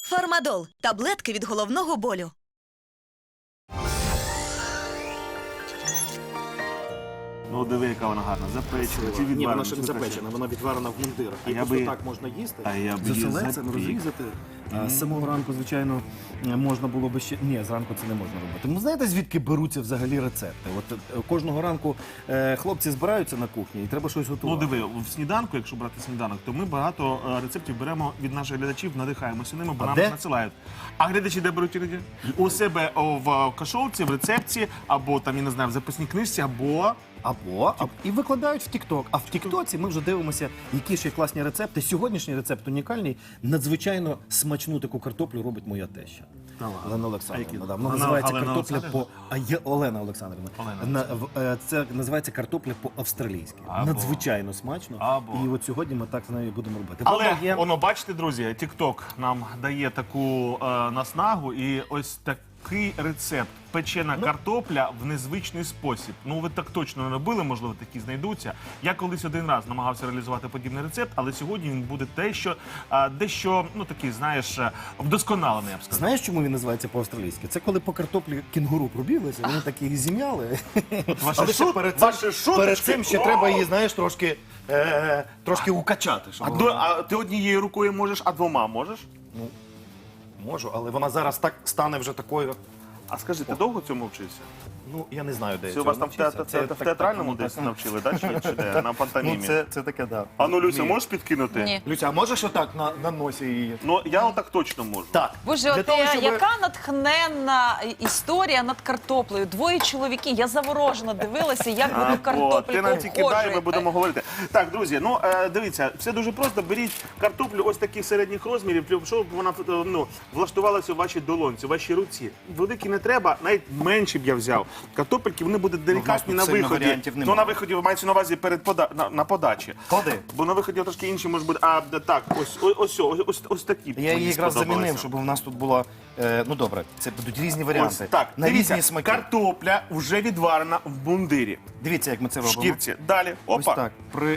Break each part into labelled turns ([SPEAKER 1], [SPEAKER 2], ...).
[SPEAKER 1] Фармадол – таблетки від головного болю.
[SPEAKER 2] Ну, диви, яка вона гарна. Запечена, чи відварена.
[SPEAKER 3] Ні, вона ще не запечена, вона відварена в мундирах.
[SPEAKER 2] А
[SPEAKER 3] І
[SPEAKER 2] я
[SPEAKER 3] просто
[SPEAKER 2] би-
[SPEAKER 3] так можна їсти.
[SPEAKER 2] А я б її
[SPEAKER 4] Заселецем
[SPEAKER 2] запік.
[SPEAKER 4] розрізати. З самого ранку, звичайно, можна було би ще... Ні, зранку це не можна робити. Ну, знаєте, звідки беруться взагалі рецепти? От кожного ранку хлопці збираються на кухні і треба щось
[SPEAKER 2] Ну,
[SPEAKER 4] готувати.
[SPEAKER 2] диви, в сніданку, якщо брати сніданок, то ми багато рецептів беремо від наших глядачів, надихаємося ними, бо
[SPEAKER 4] А
[SPEAKER 2] нам
[SPEAKER 4] де?
[SPEAKER 2] надсилають. А глядачі де беруть іноді? У себе в кашовці, в рецепції, або там, я не знаю, в записній книжці, або...
[SPEAKER 4] І викладають в TikTok. А в TikTok ми вже дивимося, які ще класні рецепти. Сьогоднішній рецепт унікальний. Надзвичайно смачну таку картоплю робить моя теща. Олена Олександрівна. Да. Вона називається
[SPEAKER 2] Олена
[SPEAKER 4] картопля
[SPEAKER 2] Олександрівна?
[SPEAKER 4] Олена Олександрівна. Це називається картопля по-австралійськи.
[SPEAKER 2] Або.
[SPEAKER 4] Надзвичайно смачно.
[SPEAKER 2] Або.
[SPEAKER 4] І от сьогодні ми так з нею будемо робити.
[SPEAKER 2] Але,
[SPEAKER 4] Правда, є-
[SPEAKER 2] воно, бачите, друзі, TikTok нам дає таку наснагу, і ось такий рецепт. Печена картопля в незвичний спосіб. Ну, ви так точно не робили, можливо, такі знайдуться. Я колись один раз намагався реалізувати подібний рецепт, але сьогодні він буде дещо, ну, такий, знаєш, вдосконалений, я б сказав.
[SPEAKER 4] Знаєш, чому він називається по-австралійськи? Це коли по картоплі кінгуру пробіглися, вони так її зім'яли.
[SPEAKER 2] Ваші
[SPEAKER 4] Але ще
[SPEAKER 2] шут-
[SPEAKER 4] перед
[SPEAKER 2] ваші
[SPEAKER 4] цим,
[SPEAKER 2] шуточки.
[SPEAKER 4] перед цим ще треба її, знаєш, трошки укачати. Щоб вона-
[SPEAKER 2] А ти однією рукою можеш, а двома можеш?
[SPEAKER 4] Можу, але вона зараз так стане вже такою.
[SPEAKER 2] А скажи, ти довго цьому вчився?
[SPEAKER 4] Ну, я не знаю, де я
[SPEAKER 2] Це у
[SPEAKER 4] цього
[SPEAKER 2] вас там
[SPEAKER 4] навчився.
[SPEAKER 2] в театральному
[SPEAKER 4] так,
[SPEAKER 2] десь
[SPEAKER 4] так.
[SPEAKER 2] навчили, да? Чи де? На пантомімі?
[SPEAKER 4] Ну, це таке, да.
[SPEAKER 2] А ну, Люся,
[SPEAKER 4] Ні.
[SPEAKER 2] можеш підкинути?
[SPEAKER 5] Ні.
[SPEAKER 4] Люся, а можеш отак на носі її?
[SPEAKER 2] Ну, я отак точно можу.
[SPEAKER 4] Так.
[SPEAKER 5] Боже,
[SPEAKER 4] Для
[SPEAKER 5] от
[SPEAKER 4] того, щоб-
[SPEAKER 5] яка натхненна історія над картоплею. Двоє чоловіків. Я заворожено дивилася, як вони
[SPEAKER 2] Або
[SPEAKER 5] картоплю
[SPEAKER 2] ти нам тільки дай, ми
[SPEAKER 5] походжують.
[SPEAKER 2] будемо говорити. Так, друзі, ну дивіться, все дуже просто. Беріть картоплю ось таких середніх розмірів, щоб вона влаштувалася у вашій долонці, у вашій руці. Великі не треба, навіть менші б я взяв. Картопельки вони будуть делікатні
[SPEAKER 4] тут
[SPEAKER 2] на
[SPEAKER 4] сильно
[SPEAKER 2] виході.
[SPEAKER 4] варіантів
[SPEAKER 2] Ну
[SPEAKER 4] немає.
[SPEAKER 2] на виході мається на увазі на подачі.
[SPEAKER 4] Клади.
[SPEAKER 2] Бо на виході трошки інші може бути. А так, ось такі.
[SPEAKER 4] Я її
[SPEAKER 2] мені
[SPEAKER 4] якраз
[SPEAKER 2] сподобалися.
[SPEAKER 4] замінив, щоб у нас тут було... Ну добре, це будуть різні
[SPEAKER 2] Ось
[SPEAKER 4] варіанти.
[SPEAKER 2] так,
[SPEAKER 4] на
[SPEAKER 2] дивіться,
[SPEAKER 4] різні смаки.
[SPEAKER 2] картопля вже відварена в бундирі.
[SPEAKER 4] Дивіться, як ми це
[SPEAKER 2] В
[SPEAKER 4] робимо.
[SPEAKER 2] шкірці. Далі.
[SPEAKER 4] Ось
[SPEAKER 2] Опа.
[SPEAKER 4] так.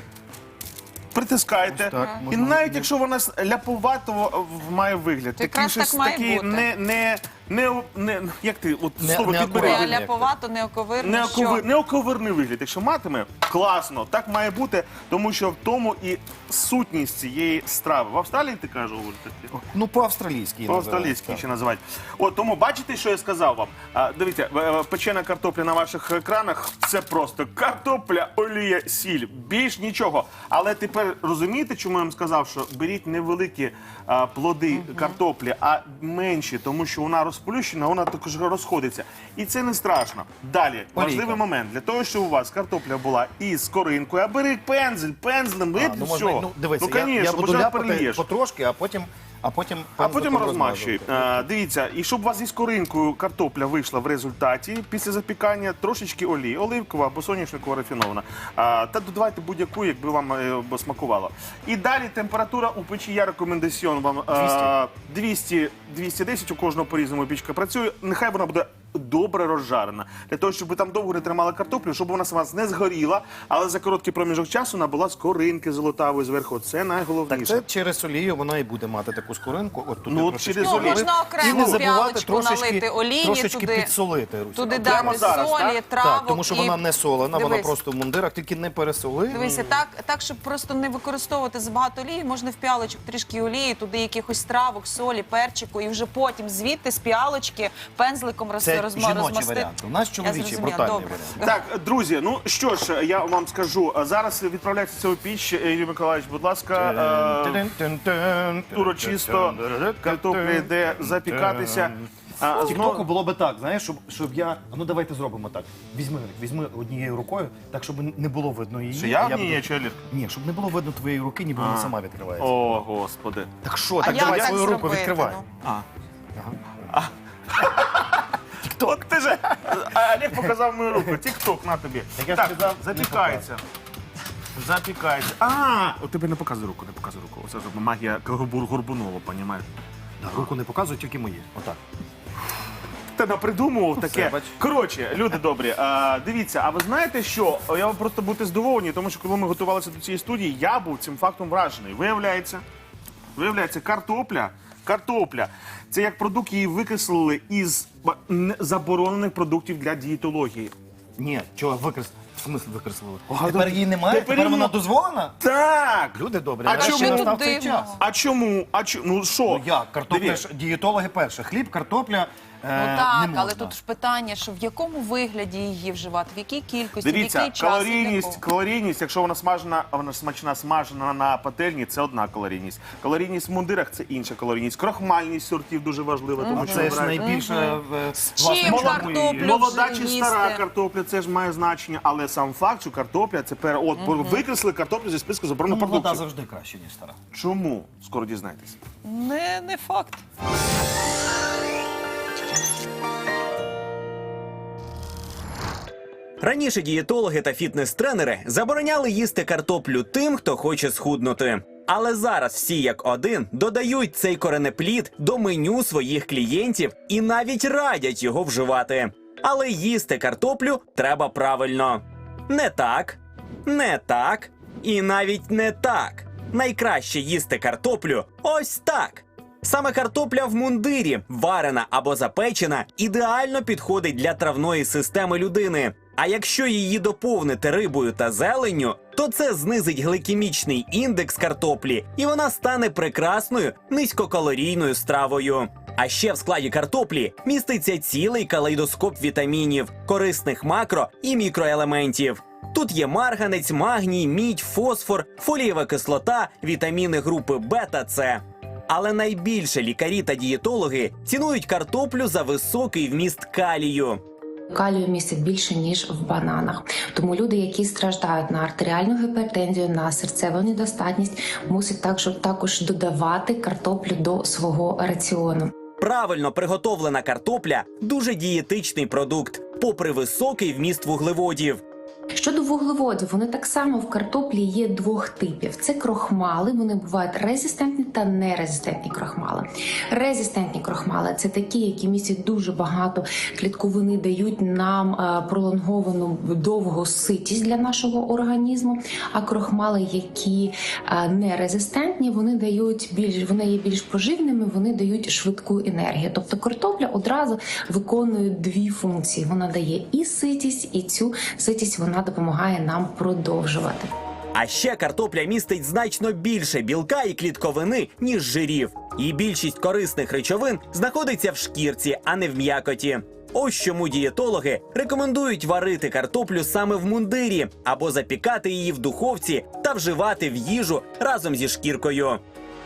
[SPEAKER 2] Притискаєте.
[SPEAKER 4] Ось так,
[SPEAKER 2] І
[SPEAKER 4] можна
[SPEAKER 2] навіть
[SPEAKER 4] її-
[SPEAKER 2] якщо вона має має вигляд,
[SPEAKER 5] То якраз
[SPEAKER 2] щось
[SPEAKER 5] так має
[SPEAKER 2] такий
[SPEAKER 5] бути.
[SPEAKER 2] як ти, от
[SPEAKER 4] Не-
[SPEAKER 2] слово
[SPEAKER 4] не
[SPEAKER 2] підбери.
[SPEAKER 4] акуратно.
[SPEAKER 5] Не ляповато, не оковирно. Що?
[SPEAKER 2] Неоковирний вигляд. Якщо матиме, класно, так має бути, тому що в тому і сутність цієї страви. В Австралії ти кажеш, говориш таке?
[SPEAKER 4] Ну, по-австралійськи. її
[SPEAKER 2] По-австралійськи
[SPEAKER 4] називають,
[SPEAKER 2] ще називають. От тому бачите, що я сказав вам? Дивіться, печена картопля на ваших екранах це просто картопля, олія, сіль. Більш нічого. Але тепер розумієте, чому я вам сказав, що беріть невеликі плоди картоплі, а менші, тому що вона розплющена, вона також розходиться. І це не страшно. Далі, важливий момент. Для того, щоб у вас картопля була із коринкою, а бери пензлем,
[SPEAKER 4] Так.
[SPEAKER 2] і
[SPEAKER 4] Ну,
[SPEAKER 2] все.
[SPEAKER 4] можна, дивися, я
[SPEAKER 2] конечно,
[SPEAKER 4] буду
[SPEAKER 2] бо зараз
[SPEAKER 4] ляпати
[SPEAKER 2] перельєш.
[SPEAKER 4] потрошки, а потім
[SPEAKER 2] А потім
[SPEAKER 4] пензликом
[SPEAKER 2] розмащуй.
[SPEAKER 4] розмазувати.
[SPEAKER 2] Дивіться, і щоб у вас із коринкою картопля вийшла в результаті після запікання, трошечки олії, оливкова або соняшникова рафінована. Та додавайте будь-яку, якби вам смакувало. І далі температура у печі, я рекомендаціон вам 200-210, у кожного по-різному пічка працює. Нехай вона буде добре розжарена. Для того, щоб ви там довго не тримали картоплю, щоб вона у вас не згоріла, але за короткий проміжок часу вона була з коринки золотавої зверху. Це
[SPEAKER 4] Так
[SPEAKER 2] найголовніше.
[SPEAKER 4] це через олію вона і буде мати таку скоринку. От туди
[SPEAKER 2] Ну,
[SPEAKER 4] трошечки
[SPEAKER 2] через
[SPEAKER 5] Ну,
[SPEAKER 2] олію.
[SPEAKER 5] можна
[SPEAKER 4] І
[SPEAKER 5] окремо
[SPEAKER 4] не
[SPEAKER 5] в
[SPEAKER 4] забувати
[SPEAKER 5] піалочку налити олії,
[SPEAKER 4] трошечки
[SPEAKER 5] туди,
[SPEAKER 4] підсолити. Руся.
[SPEAKER 5] туди
[SPEAKER 2] Прямо
[SPEAKER 5] дати
[SPEAKER 2] зараз,
[SPEAKER 5] солі,
[SPEAKER 2] так?
[SPEAKER 5] травок.
[SPEAKER 4] Так, тому що
[SPEAKER 5] і-
[SPEAKER 4] вона не солена, вона
[SPEAKER 5] Дивись.
[SPEAKER 4] просто в мундирах, тільки не пересоли.
[SPEAKER 5] Дивися, так, щоб просто не використовувати забагато олії, можна в піалочок трішки олії, туди якихось травок, солі, перчику, і вже потім звідти з піалочки пензликом
[SPEAKER 4] Це жіночий
[SPEAKER 5] розмастити.
[SPEAKER 4] варіант. У нас чоловічий,
[SPEAKER 5] зрозуміла,
[SPEAKER 4] брутальний
[SPEAKER 5] добре.
[SPEAKER 4] варіант.
[SPEAKER 2] Так, друзі, ну що ж, я вам скажу. Зараз відправляється це у піч. Юрій Миколаївич, будь ласка, урочисто картопля йде запікатися.
[SPEAKER 4] В Тіктоку було би так, знаєш, щоб я... Ну давайте зробимо так. Візьми однією рукою, так, щоб не було видно її.
[SPEAKER 2] Що я в
[SPEAKER 4] буду-
[SPEAKER 2] ній є, чи Олег?
[SPEAKER 4] Ні, щоб не було видно твоєї руки, ніби вона сама відкривається.
[SPEAKER 2] О, Господи.
[SPEAKER 4] Так що,
[SPEAKER 5] А
[SPEAKER 4] так
[SPEAKER 5] як
[SPEAKER 4] давай
[SPEAKER 5] так
[SPEAKER 4] свою руку
[SPEAKER 5] зробити,
[SPEAKER 4] відкривай.
[SPEAKER 5] ну?
[SPEAKER 2] От ти же, Олег показав мою руку. Тік-ток, на тобі.
[SPEAKER 4] я
[SPEAKER 2] Так,
[SPEAKER 4] ж сказав, не
[SPEAKER 2] запікається. Запікається. От тебе не показуй руку, не показуй руку. Оце ж магія Горбунова, понімаєш?
[SPEAKER 4] Руку не показуй, тільки мої. Отак.
[SPEAKER 2] Ти напридумував таке.
[SPEAKER 4] бач.
[SPEAKER 2] Коротше, люди добрі, дивіться, а ви знаєте що? Я вам просто будете здивовані, тому що коли ми готувалися до цієї студії, я був цим фактом вражений. Виявляється, картопля Картопля. Це як продукт, її викреслили із заборонених продуктів для дієтології.
[SPEAKER 4] Ні, чого викреслили? В смислі викреслили?
[SPEAKER 2] А,
[SPEAKER 4] Тепер її немає?
[SPEAKER 2] тепер
[SPEAKER 4] Тепер вона
[SPEAKER 2] її-
[SPEAKER 4] дозволена?
[SPEAKER 2] Так!
[SPEAKER 4] Люди добрі,
[SPEAKER 2] А
[SPEAKER 4] нарешті
[SPEAKER 2] чому?
[SPEAKER 4] настав
[SPEAKER 5] Що
[SPEAKER 4] цей
[SPEAKER 5] тут
[SPEAKER 4] час.
[SPEAKER 5] дивного?
[SPEAKER 2] А чому? Ну що?
[SPEAKER 4] Ну як? Картопля
[SPEAKER 2] Дивіться.
[SPEAKER 4] ж дієтологи перше. Хліб, картопля
[SPEAKER 5] Ну
[SPEAKER 4] не
[SPEAKER 5] так,
[SPEAKER 4] можна.
[SPEAKER 5] але тут ж питання, що в якому вигляді її вживати, в якій кількості, в
[SPEAKER 2] Дивіться,
[SPEAKER 5] який час. і для
[SPEAKER 2] калорійність, якщо вона смачна смажена на пательні, це одна калорійність. Калорійність в мундирах це інша калорійність. Крохмальність сортів дуже важлива, тому що
[SPEAKER 4] Це ж
[SPEAKER 2] вибирають-
[SPEAKER 4] найбільше...
[SPEAKER 5] чим картоплю
[SPEAKER 2] Молода
[SPEAKER 5] вже
[SPEAKER 2] чи
[SPEAKER 5] їсти?
[SPEAKER 2] стара картопля, це ж має значення, але сам факт, що картопля це викреслили картоплю зі списку
[SPEAKER 4] Ну,
[SPEAKER 2] заборонених
[SPEAKER 4] молода
[SPEAKER 2] продуктів.
[SPEAKER 4] завжди краще, ніж стара.
[SPEAKER 2] Чому? Скоро дізнаєтесь.
[SPEAKER 5] Не факт.
[SPEAKER 6] Раніше дієтологи та фітнес-тренери забороняли їсти картоплю тим, хто хоче схуднути. Але зараз всі як один додають цей коренеплід до меню своїх клієнтів і навіть радять його вживати. Але їсти картоплю треба правильно. Не так, не так і навіть не так. Найкраще їсти картоплю ось так. Саме картопля в мундирі, варена або запечена, ідеально підходить для травної системи людини. А якщо її доповнити рибою та зеленню, то це знизить гликемічний індекс картоплі, і вона стане прекрасною низькокалорійною стравою. А ще в складі картоплі міститься цілий калейдоскоп вітамінів, корисних макро- і мікроелементів. Тут є марганець, магній, мідь, фосфор, фолієва кислота, вітаміни групи Б та С. Але найбільше лікарі та дієтологи цінують картоплю за високий вміст калію.
[SPEAKER 7] Калію містить більше, ніж в бананах. Тому люди, які страждають на артеріальну гіпертензію, на серцеву недостатність, мусять також додавати картоплю до свого раціону.
[SPEAKER 6] Правильно приготовлена картопля – дуже дієтичний продукт, попри високий вміст вуглеводів.
[SPEAKER 7] Щодо вуглеводів, вони так само в картоплі є двох типів. Це крохмали, вони бувають резистентні та нерезистентні крохмали. Резистентні крохмали – це такі, які містять дуже багато клітковини, дають нам пролонговану довгу ситість для нашого організму. А крохмали, які нерезистентні, вони є більш поживними, вони дають швидку енергію. Тобто картопля одразу виконує дві функції. Вона дає і ситість, і цю ситість вона допомагає нам продовжувати.
[SPEAKER 6] А ще картопля містить значно більше білка і клітковини, ніж жирів. І більшість корисних речовин знаходиться в шкірці, а не в м'якоті. Ось чому дієтологи рекомендують варити картоплю саме в мундирі або запікати її в духовці та вживати в їжу разом зі шкіркою.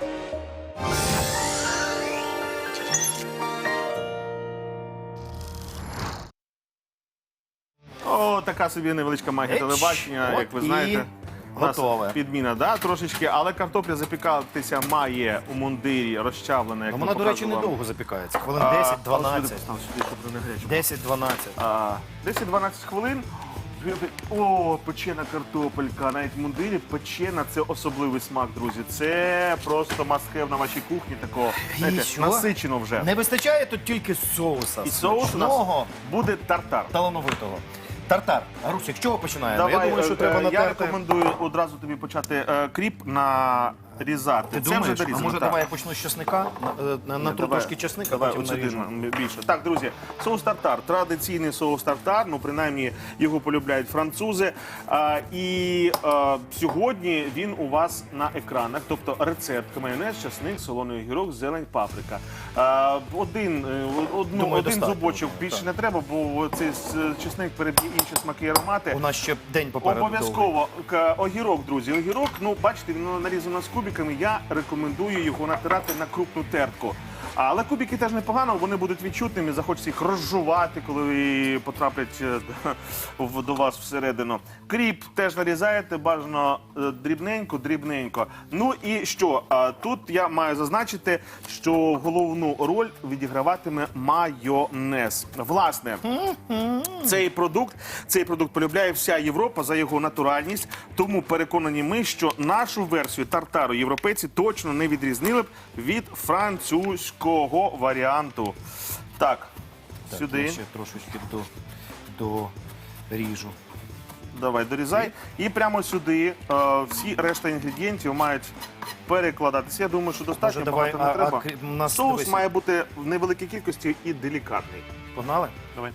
[SPEAKER 2] О, така собі невеличка магія телебачення,
[SPEAKER 4] от
[SPEAKER 2] як ви
[SPEAKER 4] і
[SPEAKER 2] знаєте. У нас
[SPEAKER 4] готове.
[SPEAKER 2] підміна, да, трошечки, але картопля запікатися має у мундирі розчавлена, як
[SPEAKER 4] Ну,
[SPEAKER 2] ми
[SPEAKER 4] вона, до речі,
[SPEAKER 2] показували.
[SPEAKER 4] недовго запікається. Хвилин
[SPEAKER 2] А,
[SPEAKER 4] 10-12.
[SPEAKER 2] ось сюди постав, сюди, щоб не гаряче.
[SPEAKER 4] 10-12.
[SPEAKER 2] 10-12 хвилин. О, печена картопелька, навіть в мундирі печена – це особливий смак, друзі. Це просто must-have на вашій кухні такого, знаєте,
[SPEAKER 4] що?
[SPEAKER 2] насичено вже.
[SPEAKER 4] Не вистачає тут тільки соуса.
[SPEAKER 2] І соус у нас
[SPEAKER 4] смачного,
[SPEAKER 2] буде тартар.
[SPEAKER 4] талановитого. Тартар. Русик, з чого починаємо?
[SPEAKER 2] Давай,
[SPEAKER 4] Я думаю, що треба
[SPEAKER 2] я
[SPEAKER 4] натерти.
[SPEAKER 2] рекомендую одразу тобі почати кріп нарізати.
[SPEAKER 4] Ти
[SPEAKER 2] Це
[SPEAKER 4] думаєш?
[SPEAKER 2] вже
[SPEAKER 4] А
[SPEAKER 2] дорізано.
[SPEAKER 4] може
[SPEAKER 2] так.
[SPEAKER 4] давай я почну з чесника? Натру
[SPEAKER 2] Давай.
[SPEAKER 4] трошки чесника,
[SPEAKER 2] Давай,
[SPEAKER 4] потім
[SPEAKER 2] от сюди
[SPEAKER 4] наріжу.
[SPEAKER 2] більше. Так, друзі, соус тартар. Традиційний соус тартар, ну принаймні його полюбляють французи. Сьогодні він у вас на екранах, тобто рецепт: майонез, чесник, солоний огірок, зелень, паприка. Один
[SPEAKER 4] достатньо
[SPEAKER 2] зубочок
[SPEAKER 4] буде,
[SPEAKER 2] більше
[SPEAKER 4] так.
[SPEAKER 2] не треба, бо цей чесник переб'є інші смаки і аромати.
[SPEAKER 4] У нас ще день попереду. довгий.
[SPEAKER 2] Обов'язково огірок, друзі. Огірок, ну бачите, він нарізано з кубиками. Я рекомендую його натирати на крупну тертку. Але кубики теж непогано, вони будуть відчутними, захочеться їх розжувати, коли потраплять до вас всередину. Кріп теж нарізаєте, бажано дрібненько. Ну і що? Тут я маю зазначити, що головну роль відіграватиме майонез. Власне, цей продукт полюбляє вся Європа за його натуральність, тому переконані ми, що нашу версію тартару європейці точно не відрізнили б від французького варіанту. Так,
[SPEAKER 4] Так,
[SPEAKER 2] сюди.
[SPEAKER 4] я ще трошечки доріжу.
[SPEAKER 2] Давай, дорізай. І прямо сюди всі решта інгредієнтів мають перекладатися. Я думаю, що достатньо,
[SPEAKER 4] Може, давай,
[SPEAKER 2] багато не треба.
[SPEAKER 4] у нас,
[SPEAKER 2] Соус
[SPEAKER 4] дивись.
[SPEAKER 2] має бути в невеликій кількості і делікатний.
[SPEAKER 4] Погнали?
[SPEAKER 2] Давай.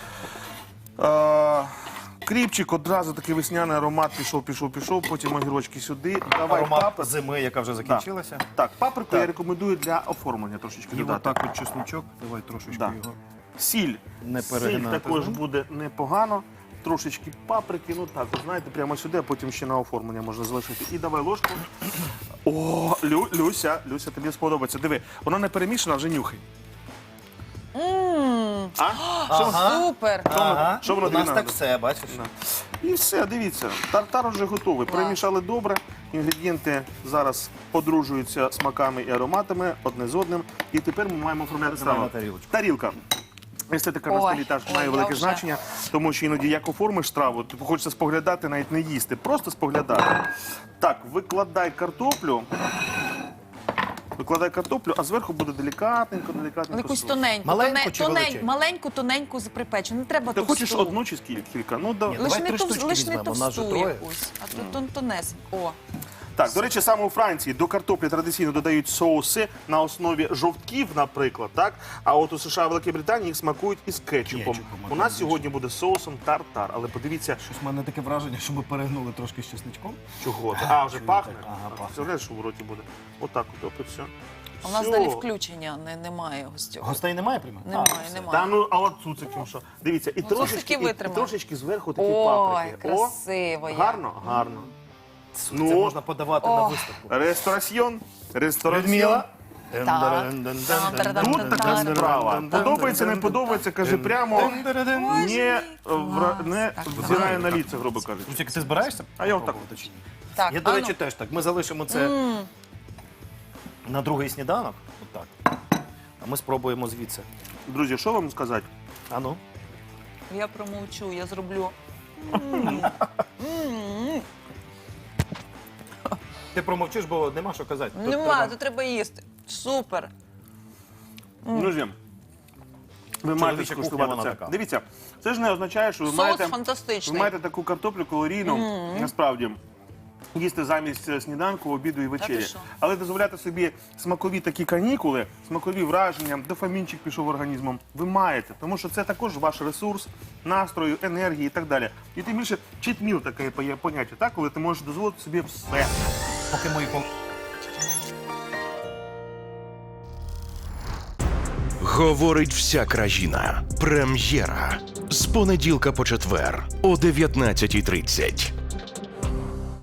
[SPEAKER 2] Кріпчик, одразу такий весняний аромат пішов, потім огірочки сюди. Давай
[SPEAKER 4] Аромат
[SPEAKER 2] паприку.
[SPEAKER 4] зими, яка вже закінчилася.
[SPEAKER 2] Так, паприку я рекомендую для оформлення трошечки
[SPEAKER 4] І
[SPEAKER 2] додати.
[SPEAKER 4] отак от чесночок. Давай трошечки
[SPEAKER 2] Да.
[SPEAKER 4] його.
[SPEAKER 2] Сіль.
[SPEAKER 4] Не
[SPEAKER 2] Сіль
[SPEAKER 4] перегинати
[SPEAKER 2] також
[SPEAKER 4] з ним.
[SPEAKER 2] буде непогано. Трошечки паприки, ну так, от знаєте, прямо сюди, а потім ще на оформлення можна залишити. І давай ложку. О, Люся, тобі сподобається. Диви, вона не перемішана, вже нюхай.
[SPEAKER 5] Супер!
[SPEAKER 4] Ага,
[SPEAKER 2] що воно
[SPEAKER 4] у нас
[SPEAKER 2] тобі
[SPEAKER 4] так
[SPEAKER 2] надо?
[SPEAKER 4] все, бачиш?
[SPEAKER 2] І все, дивіться, тартар вже готовий. Перемішали добре. Інгредієнти зараз подружуються смаками і ароматами одне з одним. І тепер ми маємо оформляти
[SPEAKER 4] Давай
[SPEAKER 2] страву.
[SPEAKER 4] на тарілочку.
[SPEAKER 2] Тарілка. Естетика на
[SPEAKER 5] Ой,
[SPEAKER 2] столі теж
[SPEAKER 5] ой,
[SPEAKER 2] має
[SPEAKER 5] я
[SPEAKER 2] велике
[SPEAKER 5] вже.
[SPEAKER 2] значення, тому що іноді як оформиш страву, то хочеться споглядати, навіть не їсти, просто споглядати. Так, викладай картоплю. А зверху буде делікатненько.
[SPEAKER 5] Якусь
[SPEAKER 2] соус.
[SPEAKER 5] тоненьку,
[SPEAKER 4] Маленьку чи величеньку?
[SPEAKER 5] маленьку, тоненьку припечену. Не треба
[SPEAKER 2] Ти
[SPEAKER 5] товсту.
[SPEAKER 2] хочеш одну чи кілька? Ну, да.
[SPEAKER 4] Ні,
[SPEAKER 5] Лиш
[SPEAKER 4] давай
[SPEAKER 5] не,
[SPEAKER 4] три штучки
[SPEAKER 5] лиш не
[SPEAKER 4] візьмемо, нас же
[SPEAKER 5] товсту
[SPEAKER 4] троє.
[SPEAKER 5] якусь, а тут тонесеньку. О,
[SPEAKER 2] Так, до речі, саме у Франції до картоплі традиційно додають соуси на основі жовтків, наприклад, так? А от у США і Великій Британії їх смакують із кетчупом.
[SPEAKER 4] Кетчупом,
[SPEAKER 2] У нас сьогодні буде соусом тартар, але подивіться,
[SPEAKER 4] Щось в мене таке враження, що ми перегнули трошки з чесничком.
[SPEAKER 2] чого це. А, вже пахне?
[SPEAKER 4] Ага, пахне.
[SPEAKER 2] Представляєш, що в роті буде? Отак от, і все.
[SPEAKER 5] у нас
[SPEAKER 2] Всьо.
[SPEAKER 5] далі включення немає гостю.
[SPEAKER 4] Гостей немає прямо?
[SPEAKER 5] Немає,
[SPEAKER 2] Та
[SPEAKER 5] немає.
[SPEAKER 2] ну, а от цуциком що? Дивіться, і
[SPEAKER 5] цуцики
[SPEAKER 2] і
[SPEAKER 5] витримали.
[SPEAKER 2] трошечки зверху такі
[SPEAKER 5] Ой,
[SPEAKER 2] паприки.
[SPEAKER 5] красиво як.
[SPEAKER 2] Гарно, гарно.
[SPEAKER 4] Це
[SPEAKER 2] Ну,
[SPEAKER 4] можна подавати на виставку.
[SPEAKER 2] Рестораціон.
[SPEAKER 4] Людмила.
[SPEAKER 2] Тут така справа. Подобається, не подобається, каже прямо. Не взирає на ліце, грубо кажучи.
[SPEAKER 4] Русик, ти збираєшся?
[SPEAKER 2] А я отак.
[SPEAKER 4] Пробувати чи ні?
[SPEAKER 5] Так,
[SPEAKER 4] Я, до
[SPEAKER 5] ану.
[SPEAKER 4] речі, теж так. Ми залишимо це на другий сніданок. Отак. А ми спробуємо звідси.
[SPEAKER 2] Друзі, що вам сказати?
[SPEAKER 4] А ну.
[SPEAKER 5] Я промовчу, я зроблю.
[SPEAKER 4] Ти промовчиш, бо нема що казати. Тут
[SPEAKER 5] Нема,
[SPEAKER 4] треба-
[SPEAKER 5] то треба їсти. Супер.
[SPEAKER 2] Друзі, ви маєте
[SPEAKER 4] Чоловіча кухня,
[SPEAKER 2] скуштувати
[SPEAKER 4] вона
[SPEAKER 2] це.
[SPEAKER 4] така.
[SPEAKER 2] Дивіться, це ж не означає, що ви
[SPEAKER 5] Соус
[SPEAKER 2] маєте,
[SPEAKER 5] фантастичний.
[SPEAKER 2] ви маєте таку картоплю калорійну, насправді, їсти замість сніданку, обіду і вечері.
[SPEAKER 5] що?
[SPEAKER 2] Але дозволяти собі смакові такі канікули, смакові враження, дофамінчик пішов організмом, ви маєте. Тому що це також ваш ресурс, настрою, енергії і так далі. І тим більше читміл таке поняття, так? Коли ти можеш дозволити собі все.
[SPEAKER 4] Поки мої
[SPEAKER 8] Говорить вся країна. Прем'єра. З понеділка по четвер о 19:30.